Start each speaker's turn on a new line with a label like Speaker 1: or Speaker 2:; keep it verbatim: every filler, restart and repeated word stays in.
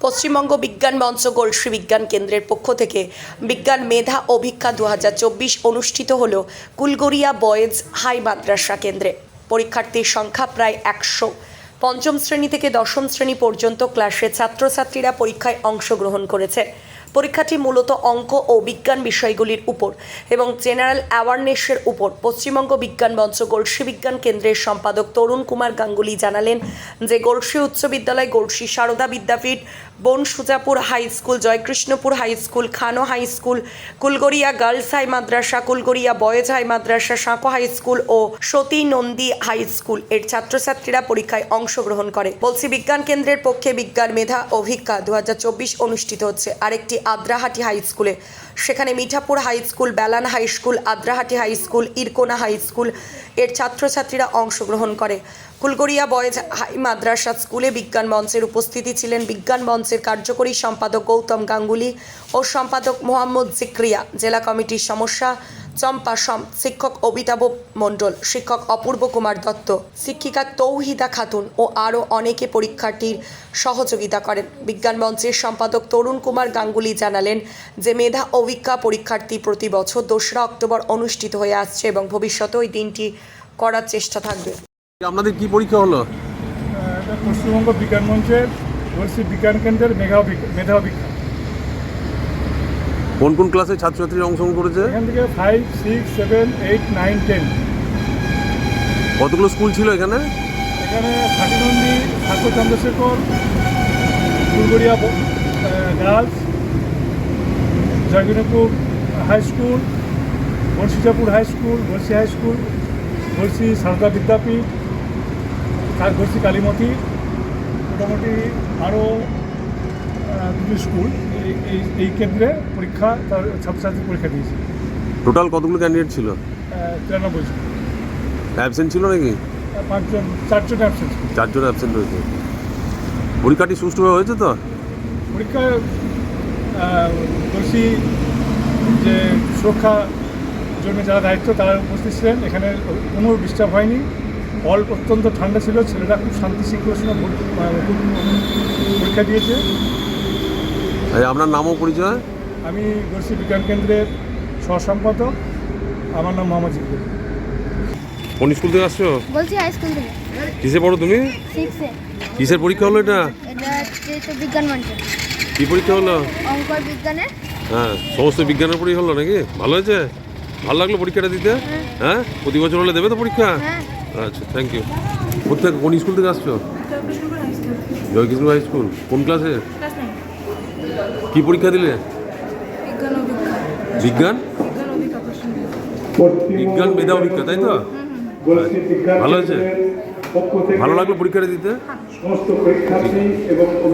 Speaker 1: পশ্চিমবঙ্গ বিজ্ঞান মঞ্চ গলসি বিজ্ঞান কেন্দ্রের পক্ষ থেকে বিজ্ঞান মেধা অভিজ্ঞা দু হাজার চব্বিশ অনুষ্ঠিত হল কুলগড়িয়া বয়েজ হাই মাদ্রাসা কেন্দ্রে। পরীক্ষার্থীর সংখ্যা প্রায় একশো। পঞ্চম শ্রেণী থেকে দশম শ্রেণী পর্যন্ত ক্লাসের ছাত্রছাত্রীরা পরীক্ষায় অংশগ্রহণ করেছে। পরীক্ষাটি মূলত অঙ্ক ও বিজ্ঞান বিষয়গুলির উপর এবং জেনারেল অ্যাওয়ারনেসের উপর। পশ্চিমবঙ্গ বিজ্ঞান মঞ্চ গলসি বিজ্ঞান কেন্দ্রের সম্পাদক তরুণ কুমার গাঙ্গুলি জানালেন যে গলসি উচ্চ বিদ্যালয়, Galsi Sarada Vidyapith, Bonsujapur high school, Joykrishnapur high school, Khano high school, Kulgoria girls high মাদ্রাসা, কুলগড়িয়া বয়েজ হাই মাদ্রাসা, সাঁকো হাই স্কুল ও সতী নন্দী হাই স্কুল এর ছাত্রছাত্রীরা পরীক্ষায় অংশগ্রহণ করে। বলছি বিজ্ঞান কেন্দ্রের পক্ষে বিজ্ঞান মেধা অভিজ্ঞা দু হাজার চব্বিশ অনুষ্ঠিত হচ্ছে আরেকটি আদ্রাহাটি হাই স্কুলে। সেখানে Mithapur high school, Belan high school, Adrahati high school, Irkona high school এর ছাত্রছাত্রীরা অংশগ্রহণ করে। কুলগড়িয়া বয়েজ হাই মাদ্রাসা স্কুলে বিজ্ঞান মঞ্চের উপস্থিতি ছিলেন বিজ্ঞান মঞ্চের কার্যকরী সম্পাদক গৌতম গাঙ্গুলি ও সম্পাদক মোহাম্মদ জিক্রিয়া, জেলা কমিটির সমস্যা চম্পা সম, শিক্ষক অমিতাভ মণ্ডল, শিক্ষক অপূর্ব কুমার দত্ত, শিক্ষিকা তৌহিদা খাতুন ও আরও অনেকে পরীক্ষার্থীর সহযোগিতা করেন। বিজ্ঞান মঞ্চের সম্পাদক তরুণ কুমার গাঙ্গুলি জানালেন যে মেধা অভিজ্ঞা পরীক্ষার্থী প্রতি বছর দোসরা অক্টোবর অনুষ্ঠিত হয়ে আসছে এবং ভবিষ্যতে ওই দিনটি করার চেষ্টা থাকবে।
Speaker 2: আপনাদের কি পরীক্ষা হলো?
Speaker 3: এটা পশ্চিমবঙ্গ বিজ্ঞান মঞ্চের গলসি বিজ্ঞান কেন্দ্রের মেধা মেধা অভিজ্ঞা।
Speaker 2: কোন কোন ক্লাসে ছাত্রছাত্রীরা অংশগ্রহণ করেছে?
Speaker 3: এখান থেকে five six seven eight nine ten.
Speaker 2: কতগুলো স্কুল ছিল এখানে?
Speaker 3: এখানে Sakinandi, Thakur Chandrashekhar, Kulgoria girls, Joykrishnapur high school, Bonsujapur high school, Galsi high school, Galsi Sarada Vidyapith, Galsi Kalimati, মোটামুটি আরও দুটি স্কুল এই এই কেন্দ্রে পরীক্ষা তার ছাত্রছাত্রী পরীক্ষা দিয়েছে।
Speaker 2: টোটাল কতগুলো ক্যান্ডিডেট ছিল?
Speaker 3: তিরানব্বই জন।
Speaker 2: অ্যাবসেন্ট ছিল নাকি?
Speaker 3: পাঁচজন, চারজন অ্যাবসেন্ট।
Speaker 2: চারজন অ্যাবসেন্ট হয়েছে। পরীক্ষাটি সুষ্ঠুভাবে হয়েছে তো?
Speaker 3: পরীক্ষা গলসি যে সুরক্ষা জন্য যারা দায়িত্ব তারা উপস্থিত ছিলেন। এখানে কোনো ডিস্টার্ব হয়নি। হল অত্যন্ত ঠান্ডা ছিল, ছেলেরা খুব শান্তি শৃঙ্খলার সঙ্গে পরীক্ষা দিয়েছে।
Speaker 2: আপনার নামও পরিচয়?
Speaker 3: আমি গলসি বিজ্ঞান কেন্দ্রের সহসম্পাদক, আমার নাম মোহাম্মদ জিক্রিয়া।
Speaker 2: কোন স্কুল থেকে আসছো?
Speaker 4: বলছি হাই স্কুল থেকে।
Speaker 2: কিসে পড়ো তুমি?
Speaker 4: সিক্সে।
Speaker 2: কিসের পরীক্ষা হলো এটা?
Speaker 4: এটা হচ্ছে তো বিজ্ঞান মঞ্চ।
Speaker 2: কি পরীক্ষা হলো?
Speaker 4: অঙ্ক বিজ্ঞানের।
Speaker 2: হ্যাঁ, সমস্ত বিজ্ঞানের পরীক্ষা হলো নাকি? ভালো হয়েছে? ভালো লাগলো পরীক্ষাটা দিতে? হ্যাঁ, প্রতি বছর হলে দেবে তো পরীক্ষা?
Speaker 4: হ্যাঁ।
Speaker 2: আচ্ছা, থ্যাংক ইউ। কোথায়, কোন স্কুল থেকে আসছো? Joykrishna high school. কোন ক্লাসে? কি পরীক্ষা দিলে? বিজ্ঞান বিজ্ঞান মেধা অভিজ্ঞা, তাই তো? ভালো হয়েছে? ভালো লাগলো পরীক্ষাটা দিতে?
Speaker 3: সমস্ত পরীক্ষার্থী এবং